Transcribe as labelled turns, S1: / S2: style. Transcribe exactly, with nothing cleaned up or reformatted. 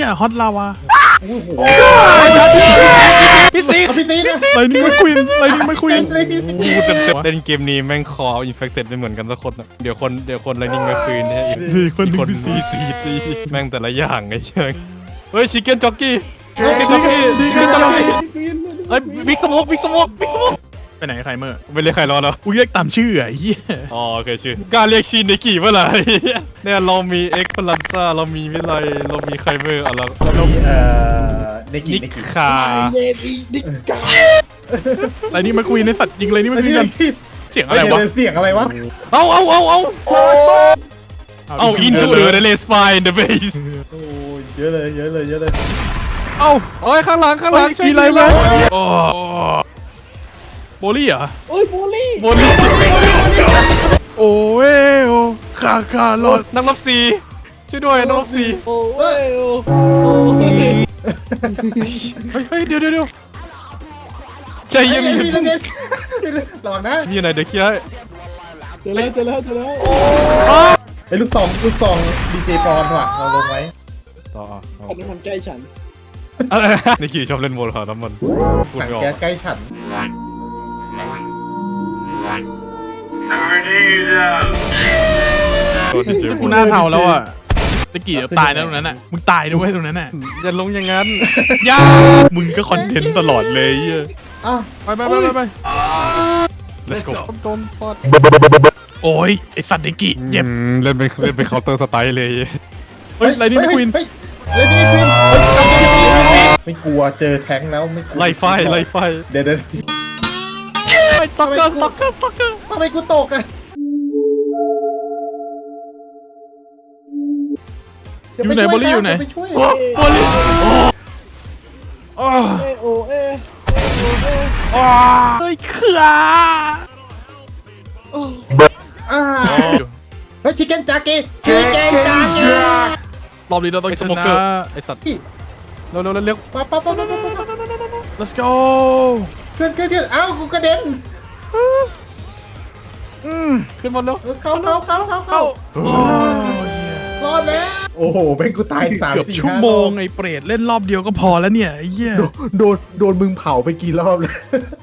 S1: หี้ยฮอตลาวา
S2: โอ้โห
S3: พี่ซี
S2: เอาพี่ตีนะ
S1: ไลนิ่งไม่ควีนไลนิ่งไม่ควีน
S2: เลยพี่ตี
S3: กูจะเล่นเกมนี้แม่งคออินเฟคเต็ดไม่เหมือนกันสักคนนะเดี๋ยวคนเดี๋ยวคนไลนิ่งไม่คืนเนี่ย
S1: นี่คนหนึ่
S3: ค
S1: ง
S3: น
S1: พี่ซี
S3: ซีซีตีแม่งแต่ละอย่างไงเชิงเฮ้ยชิคเก้นจ็อกกี้ชิคเก้น
S1: ชิ
S3: จ็อก
S1: คเก้
S3: กี้
S1: น
S3: ชิคเก้นจ็อกกี้เฮ้ยบิ๊กสโมกบิ๊กสโมกบิ๊กสโมก
S1: ไปไหนใครเมื่อ
S3: ไม่เรียกใครรอแล้ว
S1: กูเรียกตามชื่อไอ้เหี้ย
S3: อ๋อโอเคชื่อกล้าเรียกชินในกี่เมื่อไหร่เนี่ยเรามีเอ็กซ์พลันซ่าเรามีวิไลเรามีไคเวอร์อะไร
S2: เรามีเอ่อเนกิ
S3: นิ
S2: เน
S3: ก
S2: กิ
S3: คา
S1: ไลนิ่งไม่ควีนในสัตว์ยิงไลนิ่งไม่ควีนกันเสียงอะไรวะ
S2: เสียงอะไรวะ
S3: เอาเอาเอาเอาเอาอินทูเดอะเลสไฟน์เดอะเบส
S2: โอ้ยเยอะเลยเยอะเลยเยอะเลย
S1: เอ้า
S3: โอ้ยข้างหลังข้างหลัง
S1: มีอะไรไหมโอ้โบลี่เหรอ
S4: โอ้ยบูลลี่
S3: บน
S1: โอ้เอ้โอคาคารอด
S3: นักรบสีช่วยด้วยนักรบสี
S4: โอ้ยโอ้โอ้ย
S1: เฮ้ยเฮ้ยเดี๋ยวเดี๋ยวเดี๋ยว
S3: ใจเย็น
S2: ไอ้พี่เล่นระวังนะ
S3: มีอะไรเดี๋ยวเคลียร์ให้
S4: เจอแล้วเจอแล้วเจอแล้ว
S2: ไอ้ลูกซองลูกซองดีเจปอนว่ะเราลงไว้
S3: ต่อ
S4: คนนั้นมันใกล้ฉัน
S3: อะไรนิกกี้ชอบเล่นโมลหาน้ำมันพูด
S2: ถัง
S3: ไม่ออก
S2: แก๊สใกล้ฉัน
S1: กูหน้าเทาแล้วอ่ะตะกี้เดี๋ยวตายนะตรงนั้นอ่ะมึงตายด้วยตรงนั้นอ่ะ
S3: อย่าลงอย่างนั้น
S1: ย่ามึงก็คอนเทนต์ตลอดเลยเหี้ย
S2: อ้าว
S1: ไปไปไปไปไป
S3: let's go โดนฟอด
S1: โอ้ยไอสัตว์ตะกี้เจ็บ
S3: เล่นไปเล่นไปเคาน์เตอร์สไตล์เลย
S1: เฮ้ยไลนิ่งไม่ควีน
S2: เฮ้ยไลนิ่งไม่ควีนไม่กลัวเจอแท้งแล้วไม่กลัว
S3: ไล่ไฟไล่ไฟ
S2: เดี๋ยวเดี๋ยว
S3: สต็อกเกอร์สต็อกเกอร์สต็อกเกอร์
S2: ทำไมกูตกอ่ะ
S1: อยู่ไหนบอลลี่อยู่ไหน
S2: ไปช่วย
S1: โอ้บอลลี่โอ้
S4: เอโอเอเอโอเอ
S1: โอ้เฮ้ยเขื่อ
S2: อ่าเฮ้ยชิคเก้นจากีชิคเก้นจากี
S1: รอบนี้เราต้อง
S3: ไอ้
S1: ช
S3: สโม
S1: นะ
S3: เกอร์ไอ้สัตว์เร็วเร็วเร็ว
S2: ป๊าป๊าป๊าป๊าป๊าป๊า
S1: let's go
S2: เพื่อนเพื่อนเพื่อนเอ้ากูกระเด็น
S3: ขึ้นบนเร็ว
S2: เข้าเข้าเข้าเข้าเข้า
S1: โอ้ย
S2: รอดแล้วโอ้โหเป็นกูตายสาม
S1: เกือบ
S2: สี่
S1: ชั่ว
S2: ห้า
S1: โมงไอ้เปรตเล่นรอบเดียวก็พอแล้วเนี่ยไอ้เหี้ย
S2: โดนโดนมึงเผาไปกี่รอบแล้ว